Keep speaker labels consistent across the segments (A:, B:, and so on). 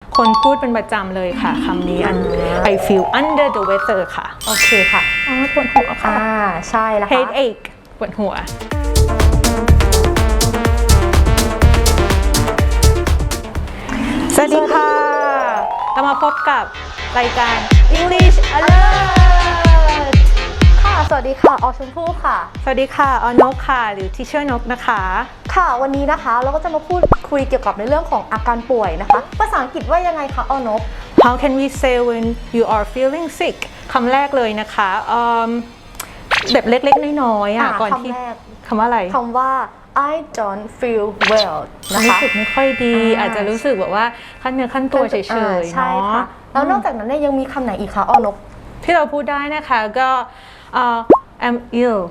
A: คนพูดเป็นประจำเลยค่ะคำนี้ I feel under the weather ค่ะ
B: โอเคค่ะ
A: ปวดหัวค่ะ
B: ใช่แล้วค่ะ
A: headache ปวดหัวสวัสดีค่ะเรามาพบกับรายการ English Alert
B: ค่ะสวัสดีค่ะออชมพู่ค่ะ
A: สวัสดีค่ะออนกค่ะหรือ Teacher นกนะคะ
B: ค่ะวันนี้นะคะเราก็จะมาพูดคุยเกี่ยวกับในเรื่องของอาการป่วยนะคะภาษาอังกฤษว่ายังไงคะออนก
A: How can we say when you are feeling sick คำแรกเลยนะคะแบบเล็กๆน้อยๆก่อนที่คำว่าอะไร
B: คำว่า I don't feel well นะคะ
A: รู้สึกไม่ค่อยดีอาจจะรู้สึกแบบว่าขั้นเนื้อขั้นตัวเฉยๆ
B: ใช่ค่ะแล้วนอกจากนั้นเนี่ยยังมีคำไหนอีกคะออนก
A: ที่เราพูดได้นะคะก็ I'm ill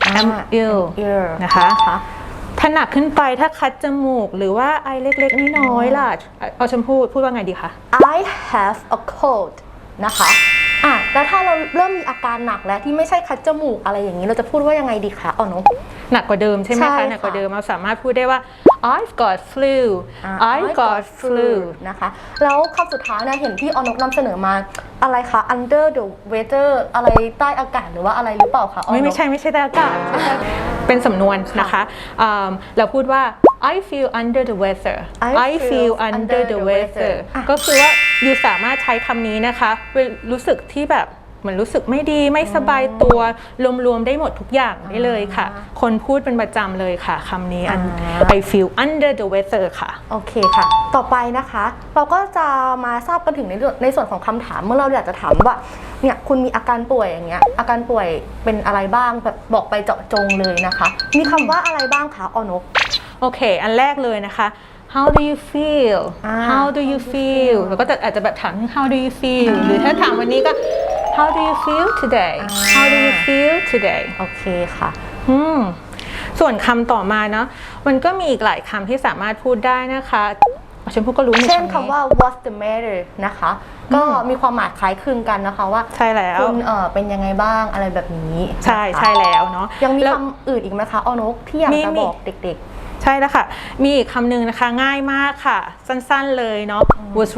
A: นะคะถ้าหนักขึ้นไปถ้าคัดจมูกหรือว่าไอเล็กๆน้อยๆล่ะเอาชมพู่พูดว่าไงดีคะ
B: I have a cold นะคะแล้วถ้าเราเริ่มมีอาการหนักแล้วที่ไม่ใช่คัดจมูกอะไรอย่างนี้เราจะพูดว่ายังไงดีคะนก
A: หนักกว่าเดิมใช่ไหมคะหนักกว่าเดิมเราสามารถพูดได้ว่า I've got flu I've got flu
B: นะคะแล้วคำสุดท้ายนะเห็นที่นกนำเสนอมาอะไรคะ under the weather อะไรใต้อากาศหรือว่าอะไรหรือเปล่าคะ
A: ไม่ใช่ใต้อากาศเป็นสำนวนนะคะเราพูดว่า I feel under the weather I feel under the weather ก็คือว่าอยู่สามารถใช้คำนี้นะคะรู้สึกที่แบบเหมือนรู้สึกไม่ดีไม่สบายตัวรวมๆได้หมดทุกอย่างได้เลยค่ะคนพูดเป็นประจำเลยค่ะคำนี้I feel under the weather ค่ะ
B: โอเคค่ะต่อไปนะคะเราก็จะมาทราบกันถึงในส่วนของคำถามเมื่อเราอยากจะถามว่าเนี่ยคุณมีอาการป่วยอย่างเงี้ยอาการป่วยเป็นอะไรบ้างแบบบอกไปเจาะจงเลยนะคะมีคำว่าอะไรบ้างคะนก
A: โอเคอันแรกเลยนะคะ How do you feel How do you feel แล้วก็อาจจะแบบถาม How do you feel หรือถ้าถามวันนี้ก็ How do you feel today How do you feel today
B: โอเคค่ะ
A: ส่วนคำต่อมาเนาะมันก็มีอีกหลายคำที่สามารถพูดได้นะคะฉันพูดก็รู้
B: เช่นคำว่า what's the matter นะคะก็มีความหมายคล้ายคลึงกันนะคะว่า
A: ใช่แล้ว
B: คุณเป็นยังไงบ้างอะไรแบบนี้
A: ใช่แล้วเนาะ
B: ยังมีคำอื่นอีกไหมคะนกที่อยากจะบอกเด็ก
A: ๆใช่แล้วค่ะมีอีกคำหนึ่งนะคะง่ายมากค่ะสั้นๆเลยเนาะ what's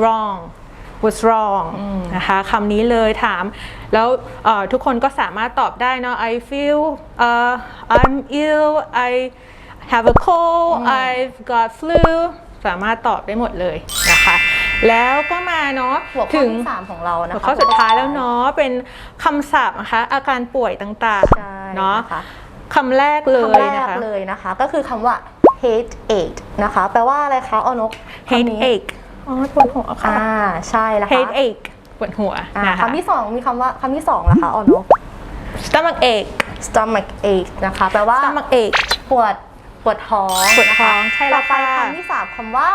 A: wrong นะคะคำนี้เลยถามแล้วทุกคนก็สามารถตอบได้เนาะ I feel I'm ill I have a cold I've got flu สามารถตอบได้หมดเลยนะคะแล้วก็มาเนาะ
B: ถึงที่3ของเรานะคะ
A: ข้อสุดท้ายแล้วเนาะเป็นคำศัพท์นะคะอาการป่วยต่างๆเนาะคำแรกเลย
B: นะคะก็คือคำว่า headache นะคะแปลว่าอะไรคะนก
A: headache ปวดหัวค่ะ
B: ใช่แล้วค่ะ
A: headache ปวดหัว
B: คำที่2มีคำว่าคำที่2นะคะนก
A: stomach ache นะคะ
B: แปลว่า
A: stomach ache
B: ปวดท้อง
A: ใช่แล้วค่ะ
B: คำที่3คำว่า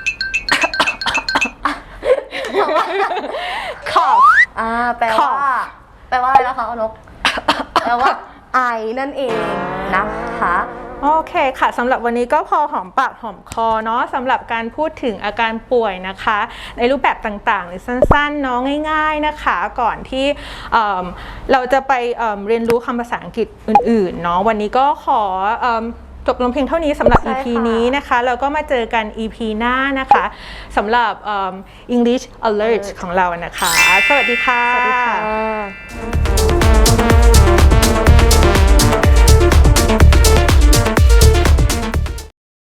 A: cough
B: แปลว่าอะไรนะคะนกแปลว่าไอนั่นเองนะคะ
A: โอเคค่ะสำหรับวันนี้ก็พอหอมปากหอมคอเนาะสำหรับการพูดถึงอาการป่วยนะคะในรูปแบบต่างๆหรือสั้นๆเนาะง่ายๆนะคะก่อนที่เราจะไปเรียนรู้คำภาษาอังกฤษอื่นๆเนาะวันนี้ก็ขอจบลงเพียงเท่านี้สำหรับ EP นี้นะคะแล้วก็มาเจอกัน EP หน้านะคะสำหรับ English Alert ของเรานะคะสวัสดีค่ะ
B: สวัสดีค่ะ